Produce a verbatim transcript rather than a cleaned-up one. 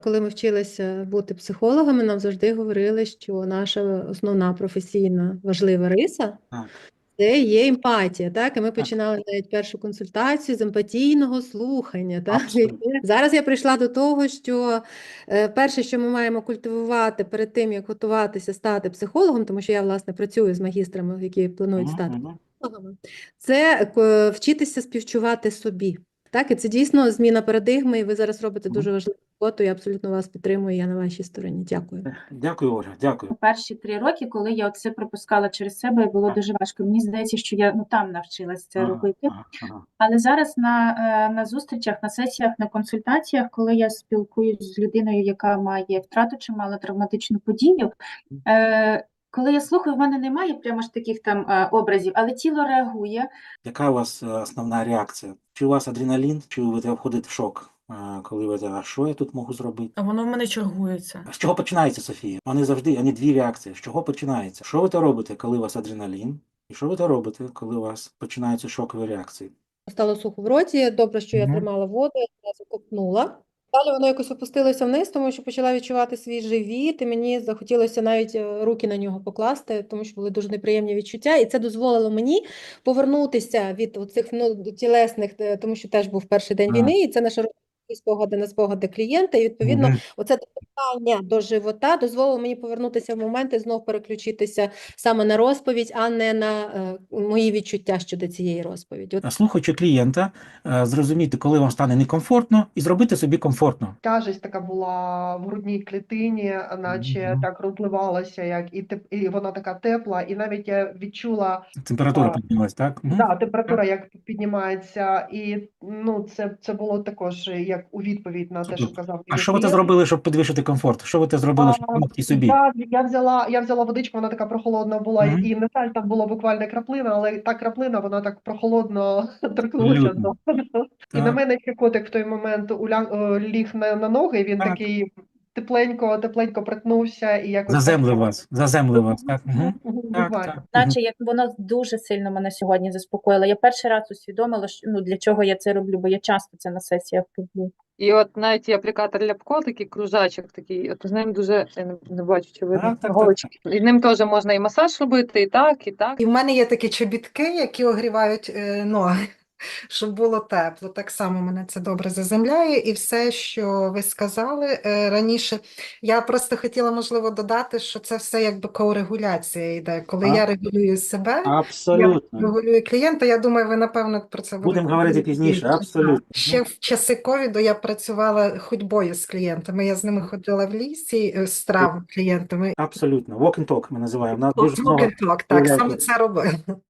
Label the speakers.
Speaker 1: Коли ми вчилися бути психологами, нам завжди говорили, що наша основна професійна важлива риса
Speaker 2: Так,
Speaker 1: це є емпатія. Так, і ми
Speaker 2: так,
Speaker 1: починали навіть першу консультацію з емпатійного слухання. Так?
Speaker 2: абсолютно.
Speaker 1: Зараз я прийшла до того, що е, перше, що ми маємо культивувати перед тим, як готуватися стати психологом, тому що я, власне, працюю з магістрами, які планують
Speaker 2: Мгм,
Speaker 1: стати
Speaker 2: мгм,
Speaker 1: психологами, це е, вчитися співчувати собі. Так, і це дійсно зміна парадигми, і ви зараз робите
Speaker 2: мгм.
Speaker 1: дуже важливу роботу. Я абсолютно вас підтримую, я на вашій стороні. Дякую.
Speaker 2: Дякую, Оля, дякую.
Speaker 3: Перші три роки, коли я це пропускала через себе, було
Speaker 2: Так.
Speaker 3: дуже важко. Мені здається, що я ну там навчилась це
Speaker 2: Ага,
Speaker 3: робити.
Speaker 2: ага, ага.
Speaker 3: Але зараз на, е, на зустрічах, на сесіях, на консультаціях, коли я спілкуюсь з людиною, яка має втрату чи мала травматичну подію, е, коли я слухаю, в мене немає прямо ж таких там е, образів, але тіло реагує.
Speaker 2: Яка у вас е, основна реакція? Чи у вас адреналін, чи ви входите в шок, е, коли ви а що я тут можу зробити?
Speaker 4: А воно в мене чергується.
Speaker 2: А з чого починається, Софія? Вони завжди, вони дві реакції. З чого починається? Що ви то робите, коли у вас адреналін? І що ви то робите, коли у вас починаються шокові реакції?
Speaker 1: Стало сухо в роті, добре, що я
Speaker 2: Мгм.
Speaker 1: тримала воду, я одразу ковтнула. Далі воно якось опустилося вниз, тому що почала відчувати свій живіт, і мені захотілося навіть е, руки на нього покласти, тому що були дуже неприємні відчуття. І це дозволило мені повернутися від цих ну, тілесних, е, тому що теж був перший день
Speaker 2: А,
Speaker 1: війни, і це наша спогади на спогади клієнта. І відповідно,
Speaker 2: мгм.
Speaker 1: оце питання до живота дозволило мені повернутися в момент і знов переключитися саме на розповідь, а не на е, мої відчуття щодо цієї розповіді. От
Speaker 2: Слухаючи клієнта, е, зрозуміти, коли вам стане некомфортно, і зробити собі комфортно.
Speaker 5: Тяжесть така була в грудній клітині, наче
Speaker 2: Мгм.
Speaker 5: так розливалася, як і теп... і вона така тепла, і навіть я відчула
Speaker 2: Температура
Speaker 5: а,
Speaker 2: піднялась, так? Мгм.
Speaker 5: да, температура, як піднімається, і ну це, це було також як у відповідь на те, що
Speaker 2: Супер.
Speaker 5: казав
Speaker 2: А
Speaker 5: мій
Speaker 2: що ви те
Speaker 5: клієнт.
Speaker 2: зробили, щоб підвищити комфорт? Що ви те зробили,
Speaker 5: А,
Speaker 2: щоб допомогти собі?
Speaker 5: я, я взяла, я взяла водичку, вона така прохолодна була,
Speaker 2: Мгм.
Speaker 5: і на жаль, там була буквально краплина, але та краплина, вона так прохолодно торкнулася
Speaker 2: Абсолютно.
Speaker 5: до. І на
Speaker 2: Так,
Speaker 5: мене ще котик в той момент уля... е, ліг на, на ноги, він
Speaker 2: так.
Speaker 5: такий тепленько, тепленько притнувся, і якось так
Speaker 2: Заземлив
Speaker 5: само.
Speaker 2: вас, заземлив вас, так? Мгм. Так,
Speaker 5: Буквально.
Speaker 2: так. Мгм.
Speaker 3: Наче як воно дуже сильно мене сьогодні заспокоїло. Я перший раз усвідомила, що ну для чого я це роблю, бо я часто це на сесіях роблю.
Speaker 6: І от навіть є аплікатор Ляпко, такий кружачок такий, от з ним дуже, я не, не бачу, чи видно,
Speaker 2: Так, так, так,
Speaker 6: голочки. І ним теж можна і масаж робити, і так, і так.
Speaker 7: І в мене є такі чобітки, які огрівають е, ноги, щоб було тепло. Так само мене це добре заземляє. І все, що ви сказали е, раніше, я просто хотіла, можливо, додати, що це все якби коурегуляція йде. Коли
Speaker 2: Так.
Speaker 7: я регулюю себе, я
Speaker 2: Абсолютно.
Speaker 7: регулюю клієнта. Я думаю, ви, напевно, про це
Speaker 2: Будемо
Speaker 7: будете
Speaker 2: говорити
Speaker 7: говорити
Speaker 2: пізніше,
Speaker 7: більше.
Speaker 2: абсолютно.
Speaker 7: Ще в часи ковіду я працювала ходьбою з клієнтами. Я з ними ходила в лісі е, з трав клієнтами.
Speaker 2: Абсолютно. Walk and talk ми називаємо. У нас
Speaker 7: Walk
Speaker 2: дуже много
Speaker 7: and talk, так,
Speaker 2: виявляється,
Speaker 7: саме це робила.